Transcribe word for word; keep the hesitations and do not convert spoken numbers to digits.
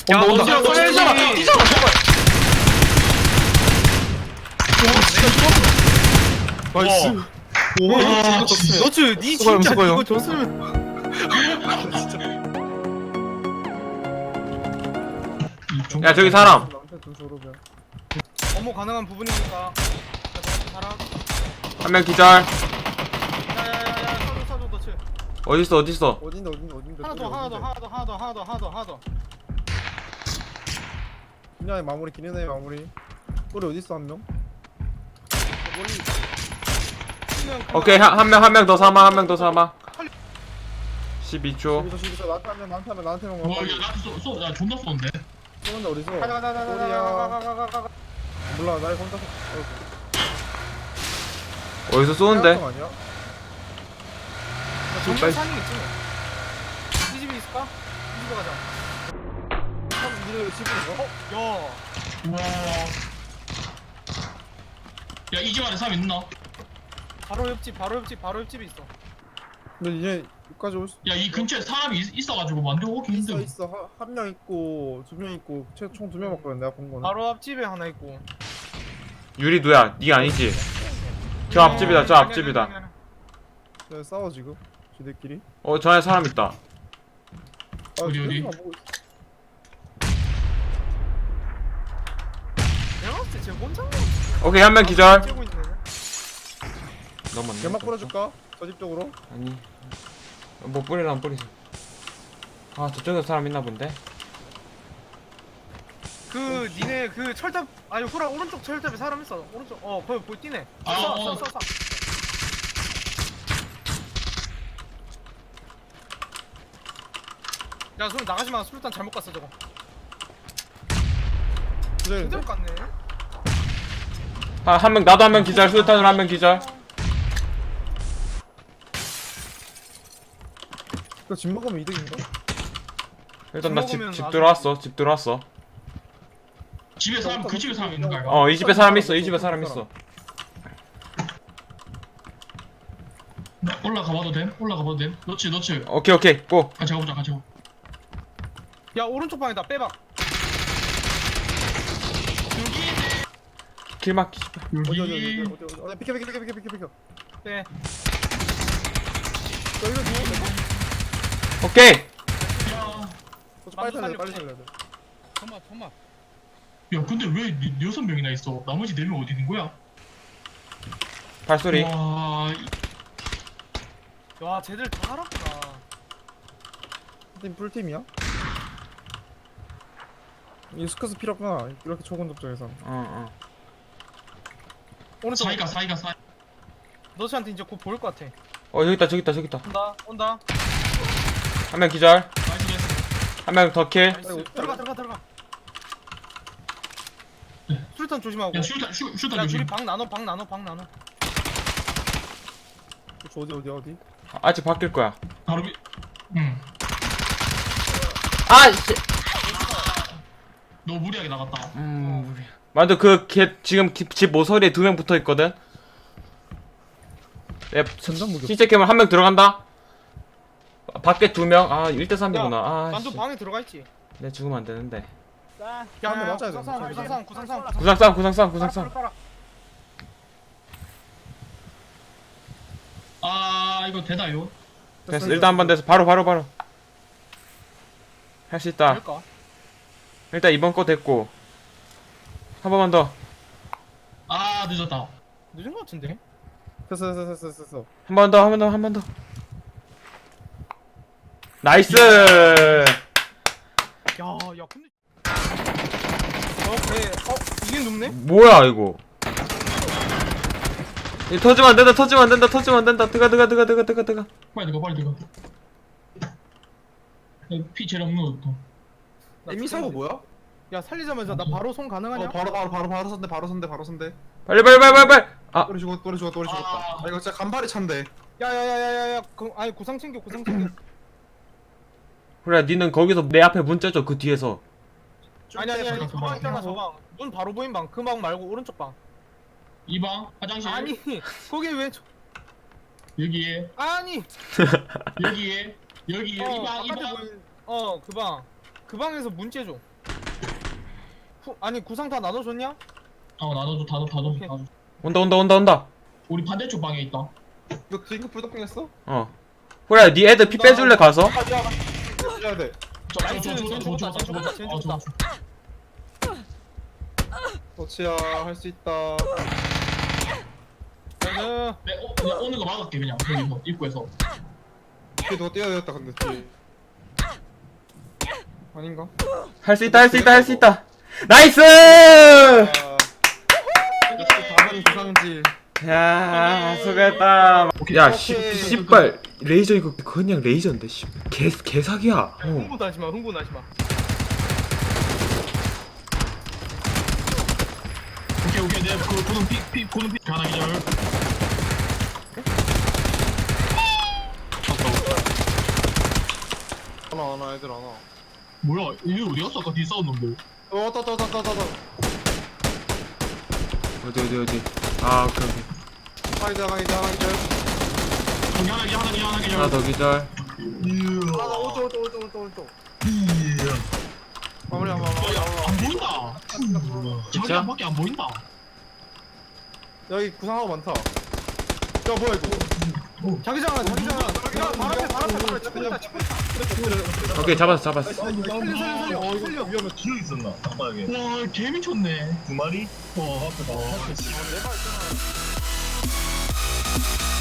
야, 온다, 온다. 너 너 진짜 뛰잖아, 빨리. 뛰잖아, 제발. 나이스. 오, 와, 진짜 너츠, 니 수고해요, 진짜 수고해요. 이거 줬으면. 야 저기 사람. 업무 가능한 부분이니까. 사람. 한 명 기절. 야야야야, 사줘 사줘 너츠. 어딨어 어딨어. 어딘데, 어딘데, 어딘데. 하나 더 하나 더 하나 더 하나 더 하나 더 하나 더 하나 더. 그냥 마무리, 기네네 마무리. 꼬리 어딨어, 한 명? 멀리. 오케이 한 명 한 명 더 사망 한 명 더 사망. 십이 초. 여기서, 여기서, 나한테 한 명, 나한테 한 명, 나한테 한 명. 와, 야, 나한테 쏘, 쏘, 야, 존나 쏘는데? 쏘는데 어디서? 가자 가자 가자 가자 꼬리야. 가자 가자 가자. 몰라, 날 혼자서. 어디서 쏘는데? 아니야? 정말 사는 게 있지 뭐. 이 집에 있을까? 이 집에 가자. 참, 니네 집에 있어? 야. 우와. 야, 이 집 안에 사람 있나? 바로 옆집 바로 옆집 바로 옆집에 있어. 근데 얘 여기까지 올 수. 야, 이 근처에 사람이 있, 있어가지고 만들고 오기 있어, 힘들어. 있어. 한 명 있고, 두 명 있고, 총 두 명 맞거든, 내가 본 거는. 바로 앞집에 하나 있고. 유리 누야? 니 아니지? 저 앞집이다 저 앞집이다. 네, 싸워, 지금. 쟤들끼리. 어 저 안에 사람 있다. 아, 어디, 어디? 쟤들끼리만 보고 있어. 내가 봤을 때쟤 혼자 오케이 한 명 기절. 고 있네. 넘었네. 연막 뿌려줄까? 저 집 쪽으로? 아니 뭐 뿌리라면 뿌리세요. 아 저쪽에 사람 있나 본데? 그 니네 그 철탑 아니 후라 오른쪽 철탑에 사람 있어. 오른쪽 어 거기 보이 뛰네. 아, 쏴, 어. 쏴, 쏴, 쏴. 야 술 나가지마. 술탄 잘못 갔어 저거. 기다려. 제대로 갔네. 아 한 명 나도 한 명 기절. 수류탄으로 한 명 기절. 이거 집 먹으면 이득인가? 일단 나 집 집 먹으면 집 아주- 들어왔어. 집 들어왔어. 집에 사람, 그 집에 사람 있는 거 알까? 어 이 집에 사람 있어. 이 집에 사람 있어. 나 올라가봐도 됨? 올라가봐도 됨? 너치, 너치. 오케이 오케이 고. 같이 가보자, 같이 가보자. 야 오른쪽 방에다 빼봐. 길 막기. 어디, 어디, 어디, 여기. 어디, 어디, 어디, 비켜, 비켜, 비켜, 비켜, 비켜, 비켜. 빼. 여기로 누워. 오케이. 야, 저 빨리 살려야 돼, 빨리 살려야 돼. 잠만 잠만. 야, 근데 왜 니- 여섯 명이나 있어? 나머지 네 명 어디 있는 거야? 발소리. 와, 와 쟤들 다 알았구나. 팀 풀팀이야? 이 스커스 필요 없구나. 이렇게 초본 접종에서. 어 어. 오른쪽 사이가, 사이가, 사이. 너씨한테 이제 곧 보일 것 같아. 어 저기 있다 저기 있다 저기 있다. 온다 온다. 한 명 기절. 나이스, 나이스. 한 명 더 킬. 나이스. 아이고, 들어가 들어가 들어가. 네. 술탄 조심하고. 야, 슈타, 슈, 슈타 야 둘이 조심. 방 나눠 방 나눠 방 나눠. 저 어디, 어디, 어디? 아직 바뀔 거야. 바로 위, 응. 아 씨. 너 무리하게 나갔다. 음. 우리. 만두 그걔 지금 기- 집 모서리에 두 명 붙어 있거든. 내 전담 무기. 시체 캠을 한 명 들어간다. 밖에 두 명. 아 일 대 삼이구나. 아 만두 씨. 방에 들어가 있지. 내 죽으면 안 되는데. 야, 한대 맞아야 돼. 구상상 구상상 구상상 구상 싸움 구상 싸움 구상 싸움. 아, 이거 되나요? 됐어. 일단 한 번 돼서 바로 바로 바로. 할 수 있다. 될까? 일단 이번 거 됐고. 한 번만 더. 아, 늦었다. 늦은 것 같은데? 됐어, 됐어, 됐어, 됐어, 됐어. 한 번 더 한 번 더 한 번 더. 나이스. 야야 근데 어배 어? 이게 눕네? 뭐야 이거. 이 터지면 안 된다. 터지면 안 된다. 터지면 안 된다. 들어가 들어가 들어가 들어가 들어가 들어가. 빨리 들어가, 빨리 들어가. 야, 피 제일 없는 것도. 에미 사고 뭐야? 야 살리자마자 나 바로 손 가능하냐? 어 바로 바로 바로 바로 선대 바로 선대 바로 선대 빨리 빨리 빨리 빨리 빨리. 아 또리 죽었 또리 죽었 또리 죽었다 아. 아 이거 진짜 간발의 찬데 야야야야야야 그 아니 구상 챙겨 구상 챙겨. 그래 니는 거기서 내 앞에 문 째줘 그 뒤에서. 아니 아니 아니 잠깐, 저방 있잖아 잠깐. 저방. 문 바로 보인 방. 그 방 말고 오른쪽 방. 이 방, 화장실. 아니 거기 왜 저... 여기에, 아니 여기에, 여기에, 어 이 방, 이 바깥에 방. 보인 어그 방. 그 방에서 문 째줘. 후, 아니 구상 다 나눠줬냐? 어 나눠줘 다눠 다눠 오케이. 다눠. 온다 온다 온다 온다. 우리 반대쪽 방에 있다. 이거 딩크 불덕빙 했어? 어. 후라야 니 애들 피 빼줄래 가서? 아 미안 해야 돼 나이스, 쟤 죽었다, 쟤 죽었다, 쟤 죽었다. 도치야 할 수 있다 나는 네, 어, 그냥 오는 거 막을게 그냥 여기서 입구에서. 뒤에 누가 뛰어야 되겠다 근데 뒤에 아닌가? 할 수 있다 할 수 있다 할 수 있다. 나이스! 아 역시 다른 구상질 야 수고했다. 야 씨, 오케이. 씨발 레이저 이거 그냥 레이저인데 씨. 개 개사기야. 어. 흥분하지 마, 흥분하지 마. 오케이 오케이 내가 그 고는 피피 고는 피 하나 기절. 하나 하나 애들 하나 뭐야 이게 어디 갔어? 아까 뒤에 싸웠는데. 어 왔다 왔다 왔다 왔다 왔다 어디 어디 어디. 아 오케이 오케이. 가이드 가이드 가이드 여기 하나 기절 하나 기절 하나 기절. 하나 더 기절. 하나 오른쪽 오른쪽 오른쪽 오른쪽 오른쪽 마무리 한번 안 보인다. 자기 진짜? 밖에 안 보인다. 여기 구상하고 많다 야 뭐야 이거 자기장 하나, 자기장 하나. 야, 발 앞에, 발 앞에, 발 앞에. 찍고 있다, 찍고 있다. 오케이 잡았어 잡았어. 살려, 살려, 살려. 어 이거 위험해 기어 있었나? 아빠에게 와 개미쳤네. 두 마리? 와 앞에 봐. 내발 있잖아